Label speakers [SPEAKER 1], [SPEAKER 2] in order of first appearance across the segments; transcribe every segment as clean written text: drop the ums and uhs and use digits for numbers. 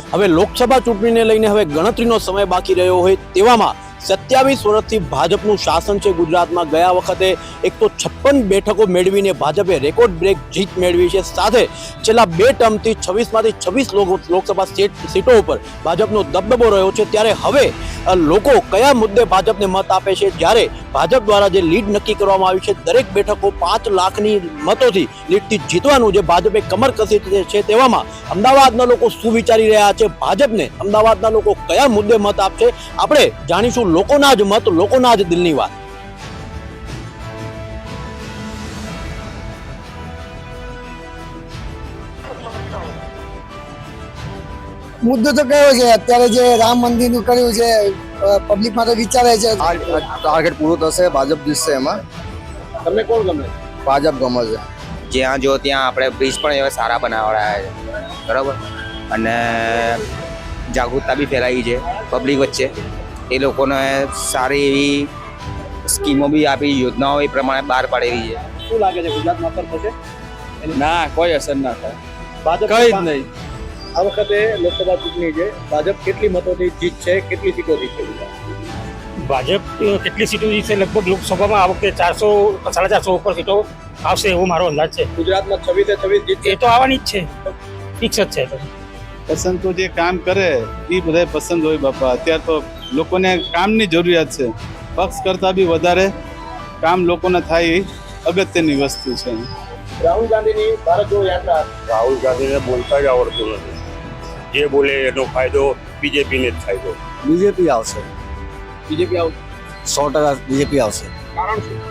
[SPEAKER 1] હવે લોકસભા ચૂંટણીને લઈને હવે ગણતરીનો સમય બાકી રહ્યો હોય તેવામાં 27 વર્ષથી ભાજપનું શાસન છે ગુજરાતમાં। ગયા વખતે 156 બેઠકો મેળવીને ભાજપે રેકોર્ડ બ્રેક જીત મેળવી છે। સાથે છેલ્લા 2 ટર્મથી 26માંથી 26 લોકસભા સીટો ઉપર ભાજપનો દબદબો રહ્યો છે। ત્યારે હવે લોકો કયા મુદ્દે ભાજપને મત આપે છે? જ્યારે ભાજપ દ્વારા જે લીડ નક્કી કરવામાં આવી છે, દરેક બેઠકો 5 લાખની મતોથી લીડથી જીતવાનું જે ભાજપે કમર કસી છે, તેવામાં અમદાવાદના લોકો શું વિચારી રહ્યા છે? ભાજપને અમદાવાદના લોકો કયા મુદ્દે મત આપશે? આપણે જાણીશું લોકોના જ મત, લોકોના જ દિલની વાત।
[SPEAKER 2] મુદ્દો તો કયો છે? અત્યારે જે રામ મંદિરનું કર્યું છે, પબ્લિક માટે વિચારે છે।
[SPEAKER 3] ટાર્ગેટ પૂરો થશે, ભાજપ જીતશે। એમાં
[SPEAKER 1] તમને કોણ ગમે?
[SPEAKER 3] ભાજપ ગમે છે।
[SPEAKER 4] જ્યાં જો ત્યાં આપણે બ્રિજ પણ એવા સારા બનાવડાયા છે, બરાબર, અને જાગૃતતા બી ફેલાવી છે પબ્લિક વચ્ચે। એ લોકોને સારી એવી સ્કીમો બી આપી, યોજનાઓ એ પ્રમાણે બહાર પાડેલી છે।
[SPEAKER 1] શું લાગે છે ગુજરાતમાં અસર થશે?
[SPEAKER 5] ના, કોઈ અસર ના થાય,
[SPEAKER 1] ભાજપ
[SPEAKER 5] કઈ જ નહીં।
[SPEAKER 1] આ વખતે લોકસભા ચૂંટણી છે, ભાજપ કેટલી મતોથી જીત છે, કેટલી સીટોથી છે?
[SPEAKER 6] ભાજપ કેટલી સીટો જીતશે? લગભગ લોકસભામાં આ વખતે 400 450 ઉપર સીટો આવશે એવો મારો અંદાજ છે।
[SPEAKER 1] ગુજરાતમાં 26 જીત
[SPEAKER 6] એ તો આવવાની જ છે, ફિક્સ જ છે।
[SPEAKER 5] પસંદ તો જે કામ કરે એ બધા પસંદ હોય બાપા। અત્યારે તો લોકોને કામની જરૂરિયાત છે, પક્ષ કરતાં બી વધારે કામ લોકોને થાય એ અગત્યની વસ્તુ છે।
[SPEAKER 1] રાહુલ ગાંધીની ભારત જોડો યાત્રા,
[SPEAKER 7] રાહુલ ગાંધીને બોલતા જ આવડતું નથી। જે બોલે એનો ફાયદો બીજેપીને જ ફાયદો।
[SPEAKER 3] બીજેપી આવશે,
[SPEAKER 1] બીજેપી આવું
[SPEAKER 3] 100% બીજેપી આવશે।
[SPEAKER 1] કારણ શું?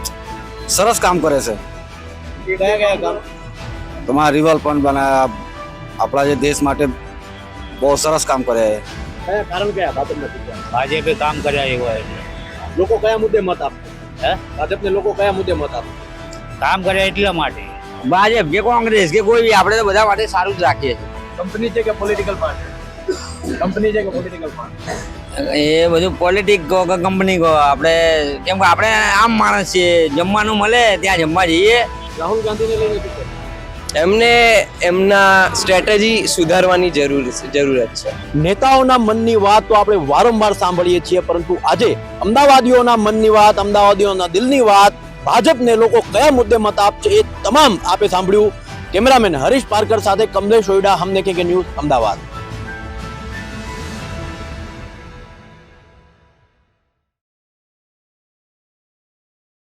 [SPEAKER 3] સરસ કામ કરે છે।
[SPEAKER 1] કયા કયા કામ?
[SPEAKER 3] તમારા રિવર પણ બનાવ્યા, આપણા જે દેશ માટે બહુ સરસ કામ કરે છે।
[SPEAKER 1] કયા કારણ કયા ભાજપને?
[SPEAKER 6] ભાજપે કામ કર્યા એવા
[SPEAKER 1] લોકો કયા મુદ્દે મત આપશે? ભાજપને લોકો કયા મુદ્દે મત આપશે?
[SPEAKER 6] કામ કર્યા એટલા માટે।
[SPEAKER 4] ભાજપ કે કોંગ્રેસ કે કોઈ બી, આપણે તો બધા માટે સારું જ રાખીએ છીએ।
[SPEAKER 1] કંપની છે કે પોલિટિકલ પાર્ટી? કંપની છે કે પોલિટિકલ પાર્ટી?
[SPEAKER 4] એ બધું પોલિટિક કહો કે કંપની કહો, આપણે કેમ કે આપણે આમ માણસ છીએ, જમવાનું મળે ત્યાં જમવા જઈએ।
[SPEAKER 1] રાહુલ ગાંધીને લઈને શું છે?
[SPEAKER 4] એમને એમના સ્ટ્રેટેજી સુધારવાની જરૂરત છે।
[SPEAKER 1] નેતાઓના મનની વાત તો આપણે વારંવાર સાંભળીએ છીએ, પરંતુ આજે અમદાવાદીઓના મનની વાત, અમદાવાદીઓના દિલની વાત, ભાજપને લોકો કયા મુદ્દે મત આપશે એ તમામ આપે સાંભળ્યું। કેમેરામેન હરીશ પારકર સાથે કમલેશ ઓયડા, હમ દેખેંગે ન્યૂઝ, અમદાવાદ।